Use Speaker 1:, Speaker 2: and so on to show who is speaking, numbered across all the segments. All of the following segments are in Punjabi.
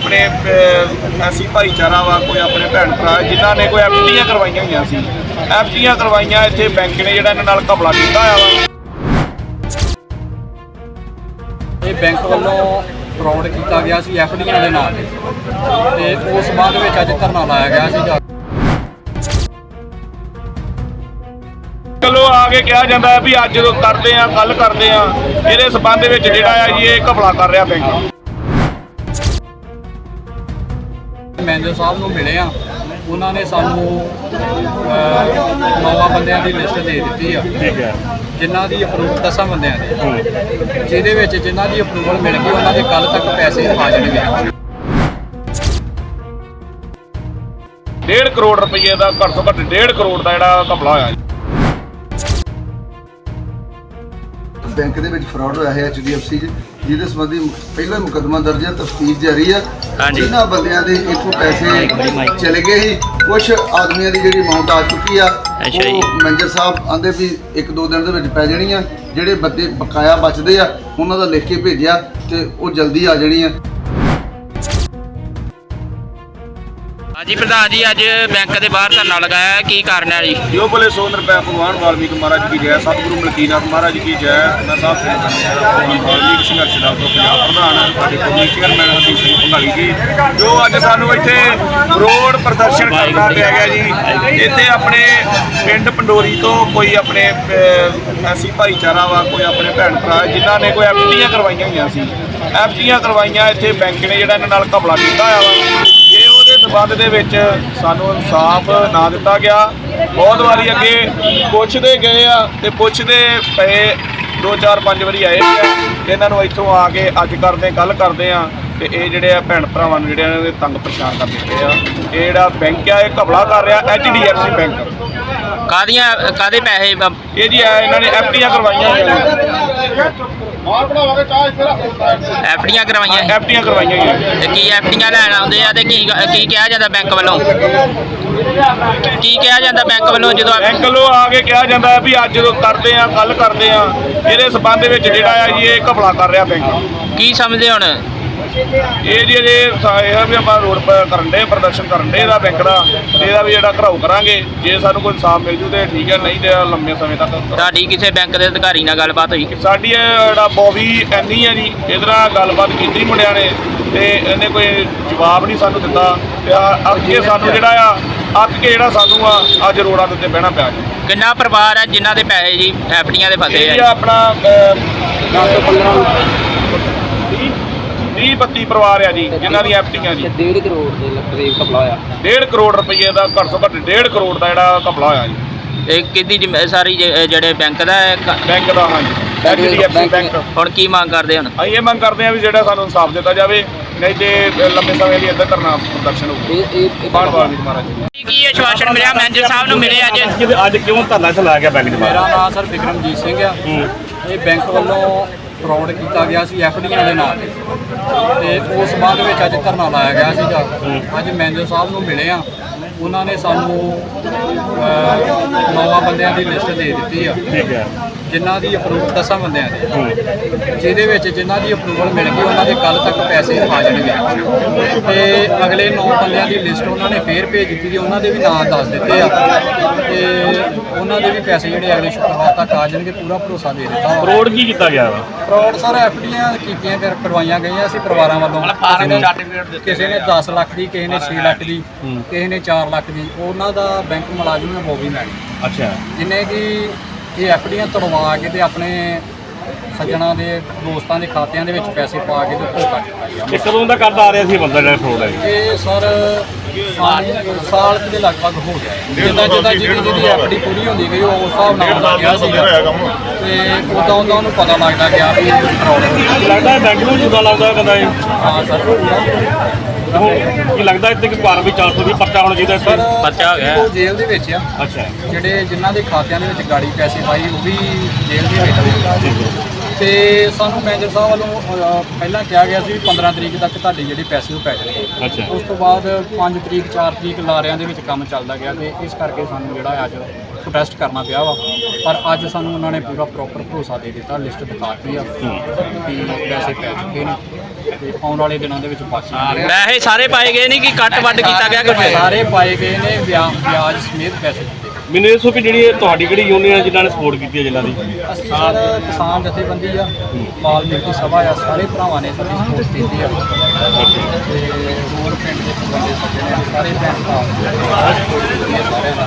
Speaker 1: अपने ऐसी भाईचारा वा कोई अपने भैन भरा जिन्होंने कोई एफडीआं करवाइया हुई सी एफडीआं करवाइया इत्थे बैंक ने जिहड़ा इन्हां नाल घपला कीता होया वा।
Speaker 2: ਇਹ ਬੈਂਕ ਵੱਲੋਂ ਫਰਾਡ ਕੀਤਾ ਗਿਆ ਸੀ ਐਫਡੀਆਂ ਦੇ ਨਾਲ ਤੇ ਉਸ ਸੰਬੰਧ ਵਿੱਚ ਅੱਜ ਧਰਨਾ ਲਾਇਆ ਗਿਆ ਸੀਗਾ।
Speaker 1: ਚਲੋ ਆ ਕੇ ਕਿਹਾ ਜਾਂਦਾ ਹੈ ਵੀ ਅੱਜ ਜਦੋਂ ਕਰਦੇ ਆ ਕੱਲ ਕਰਦੇ ਆ, ਇਹਦੇ ਸੰਬੰਧ ਵਿੱਚ ਜਿਹੜਾ ਆ ਜੀ ਇਹ ਘਪਲਾ ਕਰ ਰਿਹਾ ਬੈਂਕ।
Speaker 2: ਮੈਨੇਜਰ ਸਾਹਿਬ ਨੂੰ ਮਿਲੇ ਆ, ਉਹਨਾਂ ਨੇ ਸਾਨੂੰ 9 ਬੰਦਿਆਂ ਦੀ ਲਿਸਟ ਦੇ ਦਿੱਤੀ ਆ।
Speaker 1: ਠੀਕ ਹੈ।
Speaker 2: ਜਿਨ੍ਹਾਂ ਦੀ ਅਪਰੂਵਲ 10 ਬੰਦਿਆਂ ਦੀ, ਜਿਹਦੇ ਵਿੱਚ ਜਿਨ੍ਹਾਂ ਦੀ ਅਪਰੂਵਲ ਮਿਲ ਗਈ ਉਹਨਾਂ ਦੇ ਕੱਲ ਤੱਕ ਪੈਸੇ ਆ ਜਾਣਗੇ।
Speaker 1: 1.5 ਕਰੋੜ ਰੁਪਏ ਦਾ ਘੱਟ ਤੋਂ ਘੱਟ 1.5 ਕਰੋੜ ਦਾ ਜਿਹੜਾ ਘਪਲਾ ਹੋਇਆ।
Speaker 3: ਬੈਂਕ ਦੇ ਵਿੱਚ ਫਰਾਡ ਹੋਇਆ ਹੈ HDFC 'ਚ, ਜਿਹਦੇ ਸੰਬੰਧੀ ਪਹਿਲਾ ਮੁਕੱਦਮਾ ਦਰਜ ਹੈ, ਤਫਤੀਸ਼ ਜਾਰੀ ਹੈ। ਇਹਨਾਂ ਬੰਦਿਆਂ ਦੇ ਇੱਥੋਂ ਪੈਸੇ ਚਲੇ ਗਏ ਸੀ, ਕੁਝ ਆਦਮੀਆਂ ਦੀ ਜਿਹੜੀ ਅਮਾਉਂਟ ਆ ਚੁੱਕੀ ਆ, ਉਹ ਮੈਨੇਜਰ ਸਾਹਿਬ ਆਂਦੇ ਵੀ 1-2 ਦਿਨ ਦੇ ਵਿੱਚ ਪੈ ਜਾਣੀ ਆ। ਜਿਹੜੇ ਬੰਦੇ ਬਕਾਇਆ ਬਚਦੇ ਆ ਉਹਨਾਂ ਦਾ ਲਿਖ ਕੇ ਭੇਜਿਆ ਤੇ ਉਹ ਜਲਦੀ ਆ ਜਾਣੀ ਆ।
Speaker 4: जी प्रधान जी, अज बैंक के बाहर धरना लगाया है, की कारण है जी?
Speaker 1: जो बोले 100 रुपये भगवान वाल्मीकि महाराज की जय, सतगुरु मलकीनाथ महाराज की जय। मैं साहब से वाल्मीकि संघर्ष दल तो पंजाब प्रधान कमेटी चेयरमैन हरदीप सिंह भंगाली जी, जो अज सानू इत्थे रोड प्रदर्शन करना पिया गया जी। इत्थे अपने पिंड पंडोरी तो कोई अपने ऐसी भाईचारा वा कोई अपने भैन भरा जिन्होंने कोई एफडीआं करवाइया हुई सी एफडीआं करवाइया इत्थे बैंक ने जिहड़ा इन्हां नाल घपला कीता होया वा। जे ਉਹਦੇ ਸੰਬੰਧ ਦੇ ਵਿੱਚ ਸਾਨੂੰ ਇਨਸਾਫ ਨਾ ਦਿੱਤਾ ਗਿਆ, ਬਹੁਤ ਵਾਰੀ ਅੱਗੇ ਪੁੱਛਦੇ ਗਏ ਆ ਤੇ ਪੁੱਛਦੇ ਪਏ 2-4-5 ਵਾਰੀ ਆਏ ਆ। ਇਹਨਾਂ ਨੂੰ ਇੱਥੋਂ ਆ ਕੇ ਅੱਜ ਕਰਦੇ ਕੱਲ ਕਰਦੇ ਆ ਤੇ ਇਹ ਜਿਹੜੇ ਆ ਭੈਣ ਭਰਾਵਾਂ ਨੂੰ ਜਿਹੜੇ ਇਹਨਾਂ ਦੇ ਤੰਗ ਪਰੇਸ਼ਾਨ ਕਰ ਦਿੱਤੇ ਆ। ਇਹ ਜਿਹੜਾ ਬੈਂਕ ਆ ਇਹ ਘਪਲਾ ਕਰ ਰਿਹਾ HDFC ਬੈਂਕ।
Speaker 4: ਕਾਦੇ ਪੈਸੇ
Speaker 1: ਇਹ ਜੀ ਇਹਨਾਂ ਨੇ ਐਫਡੀਆਂ ਕਰਵਾਈਆਂ
Speaker 4: ਐਫਡੀਆਂ ਕਰਵਾਈਆਂ
Speaker 1: ਐਫਡੀਆਂ ਕਰਵਾਈਆਂ ਹੋਈਆਂ।
Speaker 4: ਤੇ ਕੀ ਐਫਡੀਆਂ ਲੈਣ ਆਉਂਦੇ ਆ ਤੇ ਕੀ ਕਿਹਾ ਜਾਂਦਾ ਬੈਂਕ ਵੱਲੋਂ? ਕੀ ਕਿਹਾ ਜਾਂਦਾ ਬੈਂਕ ਵੱਲੋਂ ਜਦੋਂ
Speaker 1: ਬੈਂਕ ਵੱਲੋਂ ਆ ਕੇ ਕਿਹਾ ਜਾਂਦਾ ਹੈ ਵੀ ਅੱਜ ਜਦੋਂ ਕਰਦੇ ਆ ਕੱਲ ਕਰਦੇ ਆ, ਇਹਦੇ ਸੰਬੰਧ ਵਿੱਚ ਜਿਹੜਾ ਆ ਜੀ ਇਹ ਘਪਲਾ ਕਰ ਰਿਹਾ ਬੈਂਕ।
Speaker 4: ਕੀ ਸਮਝਦੇ ਹੁਣ?
Speaker 1: ਇਹ ਜੀ ਅਜੇ ਇਹ ਵੀ ਆਪਾਂ ਰੋਡ ਕਰਨ ਦੇ ਪ੍ਰਦਰਸ਼ਨ ਕਰਨ ਦੇ ਇਹਦਾ ਬੈਂਕ ਦਾ, ਇਹਦਾ ਵੀ ਜਿਹੜਾ ਘਰਾਓ ਕਰਾਂਗੇ। ਜੇ ਸਾਨੂੰ ਕੋਈ ਇਨਸਾਫ ਮਿਲ ਜੂ ਤੇ ਠੀਕ ਹੈ, ਨਹੀਂ ਤੇ ਲੰਮੇ ਸਮੇਂ ਤੱਕ।
Speaker 4: ਤੁਹਾਡੀ ਕਿਸੇ ਬੈਂਕ ਦੇ ਅਧਿਕਾਰੀ ਨਾਲ ਗੱਲਬਾਤ ਹੋਈ?
Speaker 1: ਸਾਡੀ ਜਿਹੜਾ ਬੋਬੀ ਐਨੀ ਹੈ ਜੀ, ਇਹਦੇ ਨਾਲ ਗੱਲਬਾਤ ਕੀਤੀ ਮੁੰਡਿਆਂ ਨੇ ਤੇ ਇਹਨੇ ਕੋਈ ਜਵਾਬ ਨਹੀਂ ਸਾਨੂੰ ਦਿੱਤਾ ਤੇ ਅੱਗੇ ਸਾਨੂੰ ਜਿਹੜਾ ਆ ਅੱਕ ਕੇ ਜਿਹੜਾ ਸਾਨੂੰ ਆ ਅੱਜ ਰੋਡਾਂ ਦੇ ਉੱਤੇ ਬਹਿਣਾ ਪਿਆ ਜੀ।
Speaker 4: ਕਿੰਨਾ ਪਰਿਵਾਰ ਹੈ ਜਿਨ੍ਹਾਂ ਦੇ ਪੈਸੇ ਜੀ ਐਫਡੀਆਂ ਦੇ ਫਸੇ
Speaker 1: ਇਹ
Speaker 4: ਆ?
Speaker 1: ਆਪਣਾ 30-32 ਪਰਿਵਾਰ ਆ ਜੀ ਜਿਨ੍ਹਾਂ ਦੀ ਐਫਡੀਆਂ ਜੀ।
Speaker 2: 1.5 ਕਰੋੜ ਦੇ ਕਰੀਬ ਘਪਲਾ ਹੋਇਆ।
Speaker 1: 1.5 ਕਰੋੜ ਰੁਪਏ ਦਾ ਘੱਟ ਤੋਂ ਘੱਟ 1.5 ਕਰੋੜ ਦਾ ਜਿਹੜਾ ਘਪਲਾ ਹੋਇਆ ਜੀ।
Speaker 4: ਇਹ ਕਿਹਦੀ ਸਾਰੀ ਜਿਹੜੇ ਬੈਂਕ ਦਾ ਹੈ?
Speaker 1: ਬੈਂਕ ਦਾ, ਹਾਂਜੀ HDFC ਬੈਂਕ।
Speaker 4: ਹੁਣ ਕੀ ਮੰਗ ਕਰਦੇ ਹੁਣ?
Speaker 1: ਅਸੀਂ ਇਹ ਮੰਗ ਕਰਦੇ ਹਾਂ ਵੀ ਜਿਹੜਾ ਸਾਨੂੰ ਇਨਸਾਫ ਦਿੱਤਾ ਜਾਵੇ, ਨਹੀਂ ਤੇ ਲੰਮੇ ਸਮੇਂ ਲਈ ਇੱਧਰ ਧਰਨਾ ਪ੍ਰਦਰਸ਼ਨ ਹੋਊ। ਬਾਣ ਵਾਲਮੀਕ ਮਹਾਰਾਜ ਜੀ
Speaker 4: ਕੀ ਆਸ਼ਵਾਸਨ ਮਿਲਿਆ ਮੈਨੇਜਰ ਸਾਹਿਬ ਨੂੰ ਮਿਲੇ ਅੱਜ?
Speaker 1: ਅੱਜ ਕਿਉਂ ਧਰਨਾ ਚਲਾਇਆ ਗਿਆ ਬੈਂਕ ਦੇ ਬਾਹਰ?
Speaker 2: ਮੇਰਾ ਨਾਮ ਸਰ ਵਿਕਰਮਜੀਤ ਸਿੰਘ ਆ। ਇਹ ਬੈਂਕ ਵੱਲੋਂ ਫਰਾਡ ਕੀਤਾ ਗਿਆ ਸੀ ਐਫਡੀਆਂ ਦੇ ਨਾਲ ਤੇ ਉਸ ਸੰਬੰਧ ਵਿੱਚ ਅੱਜ ਧਰਨਾ ਲਾਇਆ ਗਿਆ ਸੀਗਾ। ਅੱਜ ਮੈਨੇਜਰ ਸਾਹਿਬ ਨੂੰ ਮਿਲੇ ਆ, ਉਹਨਾਂ ਨੇ ਸਾਨੂੰ 9 ਬੰਦਿਆਂ ਦੀ ਲਿਸਟ ਦੇ ਦਿੱਤੀ ਆ।
Speaker 1: ਠੀਕ ਹੈ।
Speaker 2: ਜਿਨ੍ਹਾਂ ਦੀ ਅਪਰੂਵਲ 10 ਬੰਦਿਆਂ ਦੀ, ਜਿਹਦੇ ਵਿੱਚ ਜਿਨ੍ਹਾਂ ਦੀ ਅਪਰੂਵਲ ਮਿਲ ਗਈ ਉਹਨਾਂ ਦੇ ਕੱਲ ਤੱਕ ਪੈਸੇ ਆ ਜਾਣਗੇ। ਤੇ ਅਗਲੇ 9 ਬੰਦਿਆਂ ਦੀ ਲਿਸਟ ਉਹਨਾਂ ਨੇ ਫੇਰ ਭੇਜ ਦਿੱਤੀ ਤੇ ਉਹਨਾਂ ਦੇ ਵੀ ਨਾਂ ਦੱਸ ਦਿੱਤੇ ਆ ਤੇ ਉਹਨਾਂ ਦੇ ਵੀ ਪੈਸੇ ਜਿਹੜੇ ਅਗਲੇ ਸ਼ੁੱਕਰਵਾਰ ਤੱਕ ਆ ਜਾਣਗੇ, ਪੂਰਾ ਭਰੋਸਾ ਦੇ ਦਿੱਤਾ।
Speaker 1: ਫਰੋਡ ਕੀ ਕੀਤਾ ਗਿਆ ਵਾ?
Speaker 2: ਫਰਾਡ ਸਰ ਐਫਡੀਆਂ ਕੀਤੀਆਂ ਕਰਵਾਈਆਂ ਗਈਆਂ ਸੀ ਪਰਿਵਾਰਾਂ ਵੱਲੋਂ। ਕਿਸੇ ਨੇ 10 ਲੱਖ ਦੀ, ਕਿਸੇ ਨੇ 6 ਲੱਖ ਦੀ, ਕਿਸੇ ਨੇ 4 ਲੱਖ ਦੀ। ਉਹਨਾਂ ਦਾ ਬੈਂਕ ਮੁਲਾਜ਼ਮ ਹੈ ਬੋਬੀ ਮੈਡਮ,
Speaker 1: ਅੱਛਾ,
Speaker 2: ਜਿਹਨੇ ਕਿ ਇਹ ਐਫਡੀਆਂ ਤੁੜਵਾ ਕੇ ਤੇ ਆਪਣੇ ਸੱਜਣਾ ਦੇ ਦੋਸਤਾਂ ਦੇ ਖਾਤਿਆਂ ਦੇ ਵਿੱਚ ਪੈਸੇ ਪਾ ਕੇ ਤੇ ਧੋਖਾ ਕੀਤਾ ਗਿਆ।
Speaker 1: ਇਹ ਕਦੋਂ ਦਾ ਕਰਦਾ ਆ ਰਿਹਾ ਸੀ ਬੰਦਾ ਜਿਹੜਾ ਫਰੋਡ ਹੈ?
Speaker 2: ਇਹ ਸਰ ਸਾਲ ਦੇ ਲਗਭਗ ਹੋ ਗਿਆ। ਜਿੱਦਾਂ ਜਿਹਦੀ ਐਫਡੀ ਪੂਰੀ ਹੁੰਦੀ ਗਈ ਉਸ ਹਿਸਾਬ ਨਾਲ ਹੁੰਦਾ ਗਿਆ ਸੀਗਾ ਤੇ ਉਦਾਂ ਉਹਨੂੰ ਪਤਾ ਲੱਗਦਾ ਗਿਆ ਵੀ ਫਰਾਡ ਹੈ।
Speaker 1: ਲੱਗਦਾ ਬੈਂਕ ਨੂੰ ਜੁਦਾ ਲੱਗਦਾ ਬੰਦਾ ਇਹ।
Speaker 2: ਹਾਂ ਸਰ,
Speaker 1: ਕੀ ਲੱਗਦਾ ਇੱਥੇ ਕਿ ਕਾਰਵਾਈ 420 ਪਰਚਾ ਹੋਣਾ ਚਾਹੀਦਾ?
Speaker 2: ਸਰ
Speaker 4: ਪਰਚਾ ਹੋ ਗਿਆ।
Speaker 2: ਉਹ ਜੇਲ੍ਹ ਦੇ ਵਿੱਚ ਆ।
Speaker 1: ਅੱਛਾ,
Speaker 2: ਜਿਨ੍ਹਾਂ ਦੇ ਖਾਤਿਆਂ ਦੇ ਵਿੱਚ ਗਾੜੀ ਪੈਸੇ ਪਾਈ ਉਹ ਵੀ ਜੇਲ੍ਹ ਦੇ ਵਿੱਚ ਤੇ ਸਾਨੂੰ ਮੈਨੇਜਰ ਸਾਹਿਬ ਵੱਲੋਂ ਪਹਿਲਾਂ ਕਿਹਾ ਗਿਆ ਸੀ ਵੀ 15 ਤਰੀਕ ਤੱਕ ਤੁਹਾਡੇ ਜਿਹੜੇ ਪੈਸੇ ਉਹ ਪੈ ਜਾਣਗੇ।
Speaker 1: ਅੱਛਾ।
Speaker 2: ਉਸ ਤੋਂ ਬਾਅਦ 5 ਤਰੀਕ 4 ਤਰੀਕ ਲਾਰਿਆਂ ਦੇ ਵਿੱਚ ਕੰਮ ਚੱਲਦਾ ਗਿਆ ਤੇ ਇਸ ਕਰਕੇ ਸਾਨੂੰ ਜਿਹੜਾ ਅੱਜ ਪ੍ਰੋਟੈਸਟ ਕਰਨਾ ਪਿਆ ਵਾ। ਪਰ ਅੱਜ ਸਾਨੂੰ ਉਹਨਾਂ ਨੇ ਪੂਰਾ ਪ੍ਰੋਪਰ ਭਰੋਸਾ ਦੇ ਦਿੱਤਾ, ਲਿਸਟ ਦਿਖਾਤੀ ਆ ਕਿ ਪੈਸੇ ਪੈ ਚੁੱਕੇ ਨੇ ਤੇ ਆਉਣ ਵਾਲੇ ਦਿਨਾਂ ਦੇ ਵਿੱਚ ਬਚ ਜਾਣਗੇ।
Speaker 4: ਪੈਸੇ ਸਾਰੇ ਪਾਏ ਗਏ ਨਹੀਂ ਕਿ ਕੱਟ ਵੱਢ ਕੀਤਾ ਗਿਆ ਕੁਝ?
Speaker 2: ਸਾਰੇ ਪਾਏ ਗਏ ਨੇ, ਵਿਆਜ ਸਮੇਤ ਪੈਸੇ ਦਿੱਤੇ।
Speaker 5: ਮੈਨੂੰ ਇਹ ਦੱਸੋ ਕਿ ਜਿਹੜੀ ਤੁਹਾਡੀ ਕਿਹੜੀ ਯੂਨੀਅਨ ਜਿਨ੍ਹਾਂ ਨੇ ਸਪੋਰਟ ਕੀਤੀ ਹੈ ਜਿਨ੍ਹਾਂ ਦੀ?
Speaker 2: ਅਸੀਂ ਸਰ ਕਿਸਾਨ ਜਥੇਬੰਦੀ ਆ, ਵਾਲਮੀਕੀ ਸਭਾ ਆ, ਸਾਰੇ ਭਰਾਵਾਂ ਨੇ ਸਾਡੀ ਸਪੋਰਟ ਕੀਤੀ ਆ ਤੇ ਹੋਰ ਪਿੰਡ ਦੇ ਬੰਦੇ ਸੱਜਣੇ ਆ, ਸਾਰੇ ਭੈਣ ਭਰਾ ਸਪੋਰਟ ਕੀਤੀ ਹੈ ਸਾਰਿਆਂ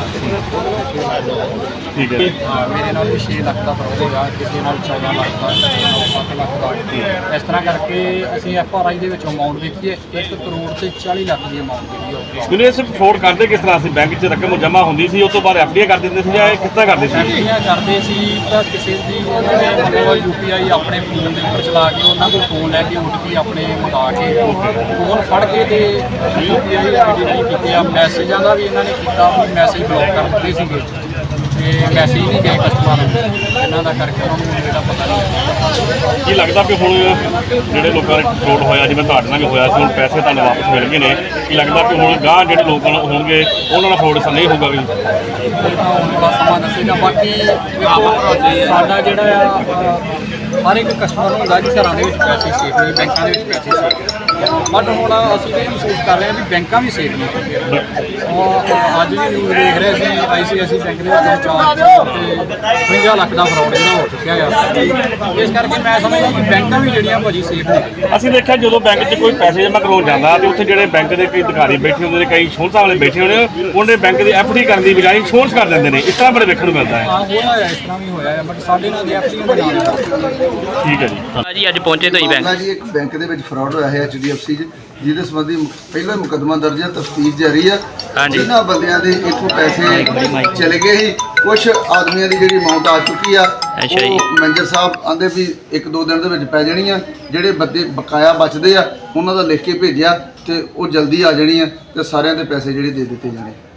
Speaker 2: ਨਾਲ।
Speaker 5: ਠੀਕ ਹੈ।
Speaker 2: ਮੇਰੇ ਨਾਲ ਵੀ 6 ਲੱਖ ਦਾ ਫਰੋਡ ਹੋਇਆ, ਕਿਸੇ ਨਾਲ 14 ਲੱਖ ਦਾ, ਕਿਸੇ ਨਾਲ 7 ਲੱਖ ਦਾ। ਇਸ ਤਰ੍ਹਾਂ ਕਰਕੇ ਅਸੀਂ FRI ਦੇ ਵਿੱਚ ਅਮਾਊਂਟ ਵੇਖੀਏ 1 ਕਰੋੜ ਤੇ 40 ਲੱਖ ਦੀ ਅਮਾਊਂਟ ਜਿਹੜੀ ਉਹ
Speaker 5: ਮੈਨੂੰ ਇਹ ਸਿਰਫ ਫਰੋਡ ਕਰਦੇ ਕਿਸ ਤਰ੍ਹਾਂ ਸੀ? ਬੈਂਕ 'ਚ ਰਕਮ ਜਮ੍ਹਾਂ ਹੁੰਦੀ ਸੀ, ਉਸ ਤੋਂ ਬਾਅਦ FDI ਕਰ ਦਿੰਦੇ ਸੀ ਜਾਂ ਇਹ ਕਿਸ ਤਰ੍ਹਾਂ ਕਰਦੇ ਸੀ?
Speaker 2: ਐਫਡੀਆਂ ਕਰਦੇ ਸੀ ਤਾਂ ਕਿਸੇ ਦੀ ਉਹਨਾਂ ਨੇ ਮਤਲਬ UPI ਆਪਣੇ ਫੋਨ ਦੇ ਉੱਪਰ ਚਲਾ ਕੇ ਉਹਨਾਂ ਕੋਲ ਫੋਨ ਲੈ ਕੇ OTP ਆਪਣੇ ਮੰਗਾ ਕੇ ਫੋਨ ਫੜ ਕੇ ਤੇ UPI ID ਨਹੀਂ ਕੀਤੇ ਆ। ਮੈਸੇਜਾਂ ਦਾ ਵੀ ਇਹਨਾਂ ਨੇ ਕੀਤਾ, ਮੈਸੇਜ ਬਲੌਕ ਕਰ ਦਿੱਤੇ ਸੀਗੇ ਤੇ ਮੈਸੇਜ ਨਹੀਂ ਗਏ ਕਸਟਮਰ ਨੂੰ, ਇਹਨਾਂ ਦਾ ਕਰਕੇ ਉਹਨਾਂ ਨੂੰ ਜਿਹੜਾ ਪਤਾ ਨਹੀਂ।
Speaker 5: ਕੀ ਲੱਗਦਾ ਕਿ ਹੁਣ ਜਿਹੜੇ ਲੋਕਾਂ ਨੇ ਫਰੋਡ ਹੋਇਆ, ਜਿਵੇਂ ਤੁਹਾਡੇ ਨਾਲ ਵੀ ਹੋਇਆ ਸੀ, ਹੁਣ ਪੈਸੇ ਤੁਹਾਨੂੰ ਵਾਪਸ ਮਿਲ ਗਏ ਨੇ, ਕੀ ਲੱਗਦਾ ਕਿ ਹੁਣ ਗਾਂਹ ਜਿਹੜੇ ਲੋਕਾਂ ਨੂੰ ਹੋਣਗੇ ਉਹਨਾਂ ਨਾਲ ਫਰੋਡ ਨਹੀਂ ਹੋਊਗਾ ਵੀ?
Speaker 2: ਇਹ ਤਾਂ ਆਉਣ ਵਾਲਾ ਸਮਾਂ ਦੱਸੇਗਾ। ਬਾਕੀ ਦੇਖੋ ਸਾਡਾ ਜਿਹੜਾ ਆ ਹਰ ਇੱਕ ਕਸਟਮਰ ਨੂੰ ਹੁੰਦਾ ਕਿ ਘਰਾਂ ਦੇ ਵਿੱਚ ਪੈਸੇ ਸੇਫ ਨਹੀਂ, ਬੈਂਕਾਂ ਦੇ ਵਿੱਚ ਪੈਸੇ ਸੇਫ। ਬਟ ਹੁਣ ਅਸੀਂ ਇਹ ਮਹਿਸੂਸ ਕਰ ਰਹੇ ਹਾਂ ਵੀ ਬੈਂਕਾਂ ਵੀ ਸੇਫ ਨਹੀਂ। ਅੱਜ ਵੀ ਨਿਊਜ਼ ਦੇਖ ਰਹੇ ਸੀ ICICI ਬੈਂਕ ਦੇ ਵਿੱਚ ਚਾਰਜ ਤੇ 50 ਲੱਖ ਦਾ ਫਰੋਡ ਜਿਹੜਾ ਹੋ ਚੁੱਕਿਆ ਆ। ਇਸ ਕਰਕੇ ਮੈਂ ਸਮਝਦਾ ਕਿ ਬੈਂਕਾਂ ਵੀ ਜਿਹੜੀਆਂ ਭਾਜੀ ਸੇਫ ਨਹੀਂ।
Speaker 5: ਅਸੀਂ ਦੇਖਿਆ ਜਦੋਂ ਬੈਂਕ 'ਚ ਕੋਈ ਪੈਸੇ ਜਮ੍ਹਾਂ ਕਰਵਾਉਣ ਜਾਂਦਾ ਤੇ ਉੱਥੇ ਜਿਹੜੇ ਬੈਂਕ ਦੇ ਕਈ ਅਧਿਕਾਰੀ ਬੈਠੇ ਹੁੰਦੇ ਨੇ, ਕਈ ਇੰਸ਼ੋਰੈਂਸਾਂ ਵਾਲੇ ਬੈਠੇ ਹੁੰਦੇ ਨੇ, ਉਹਨੇ ਬੈਂਕ ਦੀ FD ਕਰਨ ਦੀ ਬਜਾਏ ਇੰਸ਼ੋਰੈਂਸ ਕਰ ਦਿੰਦੇ ਨੇ। ਇਸ ਤਰ੍ਹਾਂ ਬੜੇ ਵੇਖਣ ਨੂੰ ਮਿਲਦਾ ਹੈ।
Speaker 2: ਹਾਂ ਹੋਇਆ ਹੈ, ਇਸ ਤਰ੍ਹਾਂ ਵੀ ਹੋਇਆ ਹੈ, ਬਟ ਸਾਡੇ ਨਾਲ FD ਦੇ ਨਾਲ
Speaker 5: ਠੀਕ ਹੈ ਜੀ।
Speaker 4: ਜੀ ਅੱਜ ਪਹੁੰਚੇ ਤੁਸੀਂ ਬੈਂਕ?
Speaker 3: ਜੀ ਇੱਕ ਬੈਂਕ ਦੇ ਵਿੱਚ ਫਰਾਡ ਹੋਇਆ ਹੈ HDFC 'ਚ, ਜਿਹਦੇ ਸੰਬੰਧੀ ਪਹਿਲਾ ਮੁਕੱਦਮਾ ਦਰਜ ਹੈ, ਤਫਤੀਸ਼ ਜਾਰੀ ਆ।
Speaker 4: ਹਾਂਜੀ।
Speaker 3: ਜਿਨ੍ਹਾਂ ਬੰਦਿਆਂ ਦੇ ਇੱਥੋਂ ਪੈਸੇ ਚਲੇ ਗਏ ਸੀ, ਕੁਝ ਆਦਮੀਆਂ ਦੀ ਜਿਹੜੀ ਅਮਾਉਂਟ ਆ ਚੁੱਕੀ ਆ,
Speaker 4: ਅੱਛਾ ਜੀ।
Speaker 3: ਉਹ ਮੈਨੇਜਰ ਸਾਹਿਬ ਆਂਦੇ ਵੀ 1-2 ਦਿਨ ਦੇ ਵਿੱਚ ਪੈ ਜਾਣੀ ਆ। ਜਿਹੜੇ ਬੰਦੇ ਬਕਾਇਆ ਬਚਦੇ ਆ ਉਹਨਾਂ ਦਾ ਲਿਖ ਕੇ ਭੇਜਿਆ ਤੇ ਉਹ ਜਲਦੀ ਆ ਜਾਣੀ ਆ ਤੇ ਸਾਰਿਆਂ ਦੇ ਪੈਸੇ ਜਿਹੜੇ ਦੇ ਦਿੱਤੇ ਜਾਣੇ।